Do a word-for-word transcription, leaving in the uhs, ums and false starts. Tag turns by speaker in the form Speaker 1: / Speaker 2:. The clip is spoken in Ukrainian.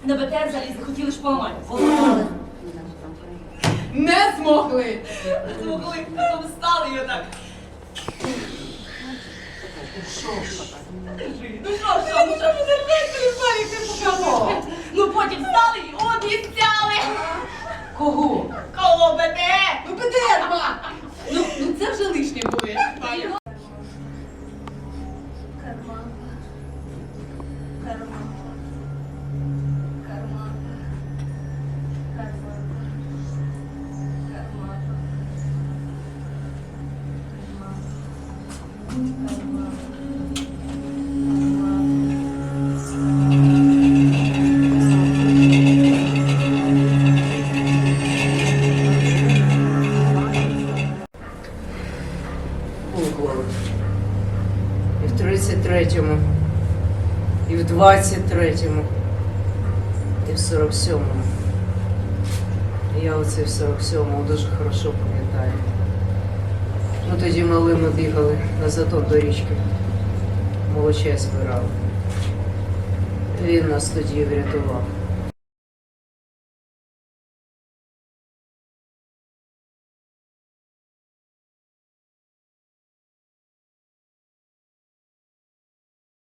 Speaker 1: на Б Т Р залізли, хотіли ж поламати.
Speaker 2: Не змогли.
Speaker 1: Змогли, потім встали і отак. Ну що, що, ну що ви зеркайте, Віталій, ти покажи. Ну потім встали і обіцяли.
Speaker 2: Кого?
Speaker 1: Кого Б Т Р?
Speaker 2: Ну, Б Т Р, ма! Ну, ну це вже лишнє буде.
Speaker 1: Карманка. Карманка. Карманка. Карманка. Карманка.
Speaker 3: Буквами. І в тридцять третьому, і в двадцять третьому, і в сорок сьомому. Я оце в сорок сьомому дуже хорошо пам'ятаю. Ми тоді малими бігали на затон до річки. Молочай збирали. Він нас тоді врятував.